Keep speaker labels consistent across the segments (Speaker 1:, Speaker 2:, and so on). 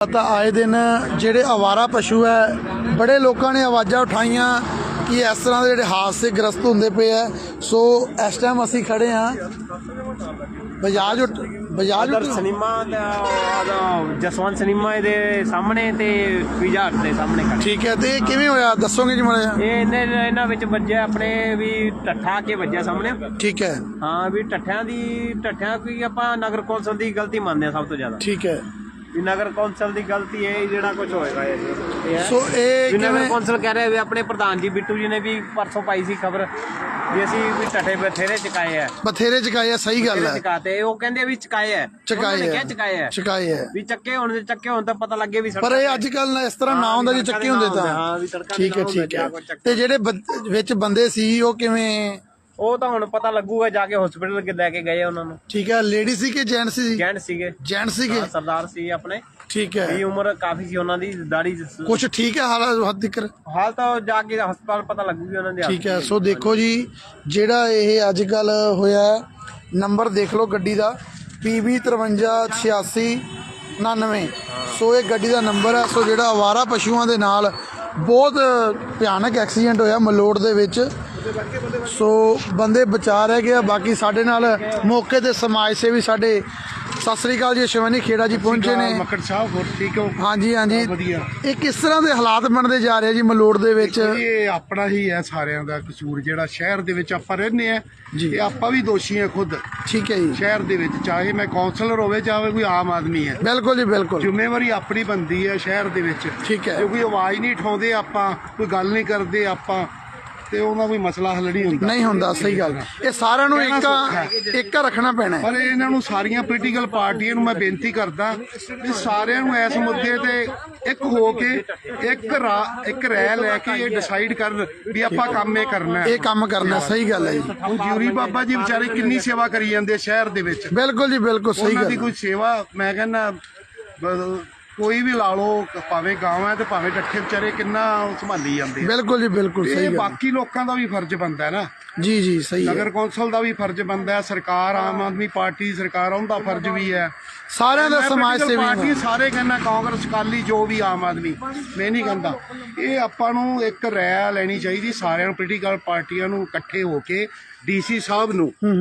Speaker 1: ਤਾਂ ਆਏ ਦਿਨ ਜਿਹੜੇ ਆਵਾਰਾ ਪਸ਼ੂ ਹੈ ਬੜੇ ਲੋਕਾਂ ਨੇ ਆਵਾਜ਼ਾਂ ਉਠਾਈਆਂ ਕਿ ਇਸ ਤਰ੍ਹਾਂ ਦੇ ਜਿਹੜੇ ਹਾਦਸੇ ਗ੍ਰਸਤ ਹੁੰਦੇ ਪਏ ਆ। ਸੋ ਇਸ ਟਾਈਮ ਅਸੀਂ ਖੜੇ ਹਾਂ ਬਜਾਜ
Speaker 2: ਸਿਨੇਮਾ ਜਸਵੰਤ ਸਿਨੇਮਾ ਦੇ ਸਾਹਮਣੇ ਤੇ ਪੀਜ਼ਾ ਹਟ ਦੇ ਸਾਹਮਣੇ ਖੜੇ।
Speaker 1: ਠੀਕ ਹੈ, ਤੇ ਇਹ ਕਿਵੇਂ ਹੋਇਆ ਦੱਸੋਗੇ ਜੀ ਮਾੜਾ ਜਿਹਾ?
Speaker 2: ਇਹਨਾਂ ਵਿੱਚ ਵੱਜਿਆ ਆਪਣੇ ਵੀ ਟੱਠਾ ਕੇ ਵੱਜਿਆ ਸਾਹਮਣੇ।
Speaker 1: ਠੀਕ ਹੈ,
Speaker 2: ਹਾਂ ਵੀ ਟੱਠਿਆਂ ਕੀ ਆਪਾਂ ਨਗਰ ਕੌਂਸਲ ਦੀ ਗਲਤੀ ਮੰਨਦੇ ਆ ਸਭ ਤੋਂ ਜ਼ਿਆਦਾ।
Speaker 1: ਠੀਕ ਹੈ,
Speaker 2: ਵੀ ਨਗਰ ਕੌਂਸਲ ਦੀ ਗਲਤੀ ਹੈ ਜਿਹੜਾ ਕੁਝ ਹੋਏਗਾ ਇਹ।
Speaker 1: ਸੋ ਇਹ
Speaker 2: ਨਗਰ ਕੌਂਸਲ ਕਹਿ ਰਿਹਾ ਵੀ ਆਪਣੇ ਪ੍ਰਧਾਨ ਜੀ ਬਿੱਟੂ ਜੀ ਨੇ ਵੀ ਪਰਸੋਂ ਪਾਈ ਸੀ ਖਬਰ ਵੀ ਅਸੀਂ ਵੀ ਟੱਠੇ ਬਥੇਰੇ ਚਕਾਏ ਆ।
Speaker 1: ਚਕਾਏ ਆ, ਸਹੀ ਗੱਲ ਹੈ।
Speaker 2: ਚਕਾਤੇ ਉਹ ਕਹਿੰਦੇ ਵੀ ਚਕਾਏ ਆ
Speaker 1: ਚਕਾਏ ਆ
Speaker 2: ਵੀ ਚੱਕੇ ਹੋਣ ਤਾਂ ਪਤਾ ਲੱਗੇ ਵੀ।
Speaker 1: ਪਰ ਇਹ ਅੱਜ ਕੱਲ ਇਸ ਤਰ੍ਹਾਂ ਨਾ ਹੁੰਦਾ ਜੇ ਚੱਕੇ ਹੁੰਦੇ ਤਾਂ। ਠੀਕ ਹੈ। ਤੇ ਜਿਹੜੇ ਵਿੱਚ ਬੰਦੇ ਸੀ ਉਹ ਕਿਵੇਂ?
Speaker 2: ਉਹ ਤਾਂ ਹੁਣ ਪਤਾ ਲੱਗੂਗਾ ਜਾ ਕੇ ਹਸਪੀਟਲ ਲੈ ਕੇ ਗਏ ਉਹਨਾਂ ਨੂੰ।
Speaker 1: ਠੀਕ ਹੈ, ਲੇਡੀ ਸੀ ਕਿ ਜੈਂਟ ਸੀ?
Speaker 2: ਜੈਂਟ ਸੀਗੇ ਸਰਦਾਰ ਸੀ ਆਪਣੇ।
Speaker 1: ਠੀਕ ਹੈ,
Speaker 2: ਵੀ ਉਮਰ ਕਾਫੀ ਸੀ ਉਹਨਾਂ ਦੀ, ਦਾੜੀ
Speaker 1: ਕੁਛ ਠੀਕ ਹੈ
Speaker 2: ਹਾਲ ਤਾਂ ਜਾ ਕੇ ਹਸਪਤਾਲ ਪਤਾ ਲੱਗੂਗੀ ਉਹਨਾਂ ਦੀ। ਠੀਕ
Speaker 1: ਹੈ। ਸੋ ਦੇਖੋ ਜੀ ਜਿਹੜਾ ਇਹ ਅੱਜ ਕੱਲ ਹੋਇਆ ਨੰਬਰ ਦੇਖ ਲਓ ਗੱਡੀ ਦਾ PB 538699। ਸੋ ਇਹ ਗੱਡੀ ਦਾ ਨੰਬਰ ਹੈ। ਸੋ ਜਿਹੜਾ ਆਵਾਰਾ ਪਸ਼ੂਆਂ ਦੇ ਨਾਲ ਬਹੁਤ ਭਿਆਨਕ ਐਕਸੀਡੈਂਟ ਹੋਇਆ ਮਲੋਟ ਦੇ ਵਿੱਚ। ਸੋ ਬੰਦੇ ਬਚਾ ਰਹਿ ਗਏ। ਬਾਕੀ ਸਾਡੇ ਨਾਲ ਮੌਕੇ ਤੇ ਸਮਾਜ ਸੇਵੀ ਸਾਡੇ ਸਤਿ ਸ੍ਰੀ ਅਕਾਲ ਜੀ ਸ਼ਿਵਾਨੀ ਖੇੜਾ ਜੀ ਪਹੁੰਚੇ ਨੇ।
Speaker 3: ਮੱਕੜ ਸਾਹਿਬ ਹੋਰ ਠੀਕ ਹੋ?
Speaker 1: ਹਾਂਜੀ ਇਹ ਕਿਸ ਤਰ੍ਹਾਂ ਦੇ ਹਾਲਾਤ ਬਣਦੇ ਜਾ ਰਹੇ ਜੀ ਮਲੋਟ ਦੇ ਵਿੱਚ?
Speaker 3: ਇਹ ਆਪਣਾ ਹੀ ਹੈ ਸਾਰਿਆਂ ਦਾ ਕਸੂਰ, ਜਿਹੜਾ ਸ਼ਹਿਰ ਦੇ ਵਿੱਚ ਆਪਾਂ ਰਹਿੰਦੇ ਆ ਜੀ। ਆਪਾਂ ਵੀ ਦੋਸ਼ੀ ਆ ਖੁਦ। ਠੀਕ ਹੈ ਜੀ। ਸ਼ਹਿਰ ਦੇ ਵਿੱਚ ਚਾਹੇ ਮੈਂ ਕਾਉਂਸਲਰ ਹੋਵੇ ਚਾਹੇ ਕੋਈ ਆਮ ਆਦਮੀ ਹੈ।
Speaker 1: ਬਿਲਕੁਲ ਜੀ ਬਿਲਕੁਲ।
Speaker 3: ਜ਼ਿੰਮੇਵਾਰੀ ਆਪਣੀ ਬਣਦੀ ਹੈ ਸ਼ਹਿਰ ਦੇ ਵਿੱਚ। ਠੀਕ ਹੈ। ਜੇ ਕੋਈ ਆਵਾਜ਼ ਨਹੀਂ ਉਠਾਉਂਦੇ ਆਪਾਂ, ਕੋਈ ਗੱਲ ਨਹੀਂ ਕਰਦੇ ਆਪਾਂ, ਤੇ ਉਹਨਾਂ ਕੋਈ ਮਸਲਾ ਹੱਲ ਨਹੀਂ ਹੁੰਦਾ। ਸਹੀ ਗੱਲ। ਇਹ ਸਾਰਿਆਂ ਨੂੰ ਇੱਕ ਰੱਖਣਾ ਪੈਣਾ। ਪਰ ਇਹਨਾਂ ਨੂੰ ਸਾਰੀਆਂ ਪੋਲੀਟੀਕਲ ਪਾਰਟੀਆਂ ਨੂੰ ਮੈਂ ਬੇਨਤੀ ਕਰਦਾ ਵੀ ਸਾਰਿਆਂ ਨੂੰ ਇਸ ਮੁੱਦੇ ਤੇ ਇੱਕ ਹੋ ਕੇ ਇੱਕ ਰਾਏ ਲੈ ਕੇ ਇਹ ਡਿਸਾਈਡ ਕਰਨ ਵੀ ਆਪਾਂ ਕੰਮ ਇਹ ਕਰਨਾ। ਸਹੀ ਗੱਲ ਹੈ ਜੀ। ਹੁਣ ਜਿਊਰੀ ਬਾਬਾ ਜੀ ਵਿਚਾਰੇ ਕਿੰਨੀ ਸੇਵਾ ਕਰੀ ਜਾਂਦੇ ਸ਼ਹਿਰ ਦੇ ਵਿੱਚ। ਬਿਲਕੁਲ ਜੀ ਬਿਲਕੁਲ ਸਹੀ ਗੱਲ। ਕੋਈ ਸੇਵਾ ਮੈਂ ਕਹਿੰਦਾ ਕੋਈ ਵੀ ਲਾ ਲਓ, ਭਾਵੇਂ ਗਾਂਵ ਹੈ ਤੇ ਭਾਵੇਂ ਟੱਠੇ ਵਿਚਾਰੇ ਕਿੰਨਾ ਸੰਭਾਲੀ ਜਾਂਦੇ। ਬਿਲਕੁਲ ਜੀ ਬਿਲਕੁਲ ਸਹੀ ਗੱਲ। ਬਾਕੀ ਲੋਕਾਂ ਦਾ ਵੀ ਫਰਜ਼ ਬਣਦਾ ਹੈ ਨਾ। ਜੀ ਸਹੀ। ਨਗਰ ਕੌਂਸਲ ਦਾ ਵੀ ਫਰਜ਼ ਬਣਦਾ ਹੈ, ਸਰਕਾਰ ਆਮ ਆਦਮੀ ਪਾਰਟੀ ਸਰਕਾਰ ਉਹਦਾ ਫਰਜ਼ ਵੀ ਹੈ, ਸਾਰਿਆਂ ਦਾ ਸਮਾਜ ਸੇਵੀ ਪਾਰਟੀ ਸਾਰੇ ਕਹਿੰਦਾ ਕਾਂਗਰਸ ਅਕਾਲੀ ਜੋ ਵੀ ਆਮ ਆਦਮੀ, ਮੈਂ ਨਹੀਂ ਕਹਿੰਦਾ। ਇਹ ਆਪਾਂ ਨੂੰ ਇੱਕ ਰਾਏ ਲੈਣੀ ਚਾਹੀਦੀ ਸਾਰਿਆਂ ਨੂੰ, ਪੋਲੀਟੀਕਲ ਪਾਰਟੀਆਂ ਨੂੰ ਇਕੱਠੇ ਹੋ ਕੇ DC ਸਾਹਿਬ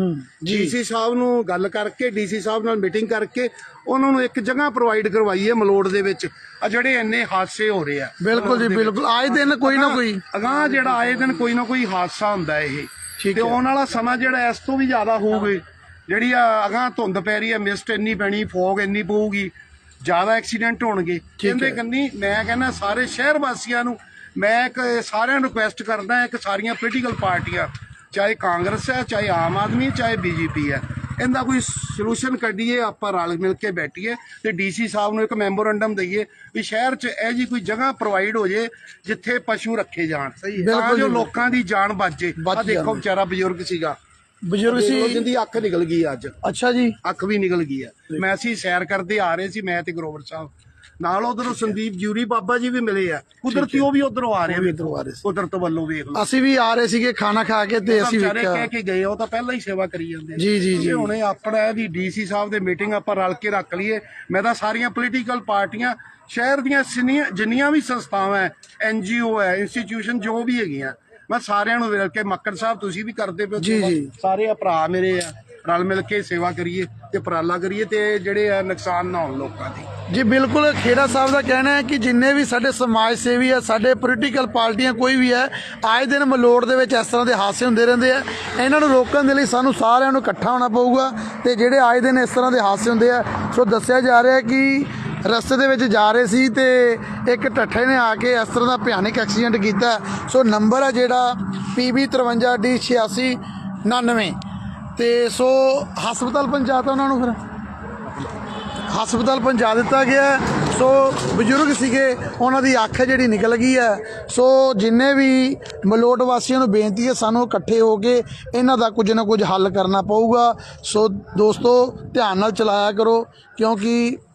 Speaker 3: ਨੂੰ ਗੱਲ ਕਰਕੇ DC ਸਾਹਿਬ ਨਾਲ ਮੀਟਿੰਗ ਕਰਕੇ ਉਹਨਾਂ ਨੂੰ ਇੱਕ ਜਗ੍ਹਾ ਪ੍ਰੋਵਾਈਡ ਕਰਵਾਈਏ ਮਲੋਟ ਦੇ ਵਿੱਚ। ਆ ਜਿਹੜੇ ਇੰਨੇ ਹਾਦਸੇ ਹੋ ਰਹੇ ਆ। ਬਿਲਕੁਲ ਜੀ ਬਿਲਕੁਲ। ਆਏ ਦਿਨ ਕੋਈ ਨਾ ਕੋਈ ਜਿਹੜਾ ਆਏ ਦਿਨ ਕੋਈ ਨਾ ਕੋਈ ਹਾਦਸਾ ਹੁੰਦਾ ਇਹ। ਤੇ ਆਉਣ ਵਾਲਾ ਸਮਾਂ ਜਿਹੜਾ ਇਸ ਤੋਂ ਵੀ ਜ਼ਿਆਦਾ ਹੋਊਗਾ। ਜਿਹੜੀ ਅਗਾਂਹ ਧੁੰਦ ਪੈ ਰਹੀ ਹੈ, ਮਿਸਟ ਇੰਨੀ ਪੈਣੀ, ਫੋਗ ਇੰਨੀ ਪਊਗੀ, ਜ਼ਿਆਦਾ ਐਕਸੀਡੈਂਟ ਹੋਣਗੇ। ਕਹਿੰਦੇ ਕੰਨੀ ਮੈਂ ਕਹਿੰਦਾ ਸਾਰੇ ਸ਼ਹਿਰ ਵਾਸੀਆਂ ਨੂੰ ਮੈਂ ਸਾਰਿਆਂ ਨੂੰ ਰਿਕੁਐਸਟ ਕਰਦਾ, ਇੱਕ ਸਾਰੀਆਂ ਪੋਲੀਟੀਕਲ ਪਾਰਟੀਆਂ ਚਾਹੇ ਕਾਂਗਰਸ ਹੈ, ਚਾਹੇ ਆਮ ਆਦਮੀ, ਚਾਹੇ BJP ਹੈ, ਇਹਦਾ ਕੋਈ ਸੋਲੂਸ਼ਨ ਕੱਢੀਏ, ਆਪਾਂ ਰਲ ਮਿਲ ਕੇ ਬੈਠੀਏ ਤੇ DC ਸਾਹਿਬ ਨੂੰ ਇੱਕ ਮੈਮੋਰੰਡਮ ਦਈਏ ਵੀ ਸ਼ਹਿਰ 'ਚ ਇਹ ਜੀ ਕੋਈ ਜਗ੍ਹਾ ਪ੍ਰੋਵਾਈਡ ਹੋ ਜੇ ਜਿੱਥੇ ਪਸ਼ੂ ਰੱਖੇ ਜਾਣ, ਤਾਂ ਜੋ ਲੋਕਾਂ ਦੀ ਜਾਨ ਬਚੇ। ਆ ਦੇਖੋ ਵਿਚਾਰਾ ਬਜ਼ੁਰਗ ਸੀ, ਜਿਹਦੀ ਅੱਖ ਨਿਕਲ ਗਈ ਅੱਜ। ਅੱਛਾ ਜੀ, ਅੱਖ ਵੀ ਨਿਕਲ ਗਈ ਹੈ। ਮੈਂ ਅਸੀਂ ਸੈਰ ਕਰਦੇ ਆ ਰਹੇ ਸੀ, ਮੈਂ ਤੇ ਗਰੋਵਰ ਸਾਹਿਬ ਨਾਲ, ਉਧਰੋਂ ਸੰਦੀਪ ਜਿਊਰੀ ਬਾਬਾ ਜੀ ਵੀ ਮਿਲੇ ਆ ਕੁਦਰਤੀ, ਉਹ ਵੀ ਉਧਰੋਂ ਆ ਰਹੇ, ਕੁਦਰਤ ਵੱਲੋਂ ਵੇਖ ਲਓ। ਅਸੀਂ ਵੀ ਆ ਰਹੇ ਸੀਗੇ ਖਾਣਾ ਖਾ ਕੇ ਤੇ ਅਸੀਂ ਕਹਿ ਕੇ ਗਏ, ਉਹ ਤਾਂ ਪਹਿਲਾਂ ਹੀ ਸੇਵਾ ਕਰੀ ਜਾਂਦੇ ਜੀ। ਹੁਣੇ ਆਪਣਾ ਇਹਦੀ DC ਸਾਹਿਬ ਦੇ ਮੀਟਿੰਗ ਆਪਾਂ ਰਲ ਕੇ ਰੱਖ ਲਈਏ। ਮੈਂ ਤਾਂ ਸਾਰੀਆਂ ਪੋਲੀਟੀਕਲ ਪਾਰਟੀਆਂ ਸ਼ਹਿਰ ਦੀਆਂ ਜਿੰਨੀਆਂ ਵੀ ਸੰਸਥਾਵਾਂ NGO ਹੈ, ਇੰਸਟੀਟਿਊਸ਼ਨ ਜੋ ਵੀ ਹੈਗੀਆਂ, ਮੈਂ ਸਾਰਿਆਂ ਨੂੰ ਮਿਲ ਕੇ, ਮੱਕੜ ਸਾਹਿਬ ਤੁਸੀਂ ਵੀ ਕਰਦੇ ਪਏ ਸਾਰੇ ਭਰਾ ਮੇਰੇ ਆ, ਰਲ ਮਿਲ ਕੇ ਸੇਵਾ ਕਰੀਏ ਤੇ ਉਪਰਾਲਾ ਕਰੀਏ ਤੇ ਜਿਹੜੇ ਆ ਨੁਕਸਾਨ ਨਾ ਹੋਣ ਲੋਕਾਂ ਦੀ। ਜੀ ਬਿਲਕੁਲ। ਖੇੜਾ ਸਾਹਿਬ ਦਾ ਕਹਿਣਾ ਹੈ ਕਿ ਜਿੰਨੇ ਵੀ ਸਾਡੇ ਸਮਾਜ ਸੇਵੀ ਆ, ਸਾਡੇ ਪੋਲੀਟੀਕਲ ਪਾਰਟੀਆਂ ਕੋਈ ਵੀ ਹੈ, ਆਏ ਦਿਨ ਮਲੋਟ ਦੇ ਵਿੱਚ ਇਸ ਤਰ੍ਹਾਂ ਦੇ ਹਾਦਸੇ ਹੁੰਦੇ ਰਹਿੰਦੇ ਆ। ਇਹਨਾਂ ਨੂੰ ਰੋਕਣ ਦੇ ਲਈ ਸਾਨੂੰ ਸਾਰਿਆਂ ਨੂੰ ਇਕੱਠਾ ਹੋਣਾ ਪਊਗਾ ਤੇ ਜਿਹੜੇ ਆਏ ਦਿਨ ਇਸ ਤਰ੍ਹਾਂ ਦੇ ਹਾਦਸੇ ਹੁੰਦੇ ਆ। ਸੋ ਦੱਸਿਆ ਜਾ ਰਿਹਾ ਕਿ ਰਸਤੇ ਦੇ ਵਿੱਚ ਜਾ ਰਹੇ ਸੀ ਤੇ ਇੱਕ ਟੱਠੇ ਨੇ ਆ ਕੇ ਇਸ ਤਰ੍ਹਾਂ ਦਾ ਭਿਆਨਕ ਐਕਸੀਡੈਂਟ ਕੀਤਾ। ਸੋ ਨੰਬਰ ਹੈ ਜਿਹੜਾ PB 53D8699 ਤੇ ਸੋ ਹਸਪਤਾਲ ਪਹੁੰਚਾਤਾ ਉਹਨਾਂ ਨੂੰ, ਫਿਰ ਹਸਪਤਾਲ ਪਹੁੰਚਾ ਦਿੱਤਾ ਗਿਆ। ਸੋ ਬਜ਼ੁਰਗ ਸੀਗੇ, ਉਹਨਾਂ ਦੀ ਅੱਖ ਜਿਹੜੀ ਨਿਕਲ ਗਈ ਹੈ। ਸੋ ਜਿੰਨੇ ਵੀ ਮਲੋਟ ਵਾਸੀਆਂ ਨੂੰ ਬੇਨਤੀ ਹੈ ਸਾਨੂੰ ਇਕੱਠੇ ਹੋ ਕੇ ਇਹਨਾਂ ਦਾ ਕੁਝ ਨਾ ਕੁਝ ਹੱਲ ਕਰਨਾ ਪਊਗਾ। ਸੋ ਦੋਸਤੋ ਧਿਆਨ ਨਾਲ ਚਲਾਇਆ ਕਰੋ, ਕਿਉਂਕਿ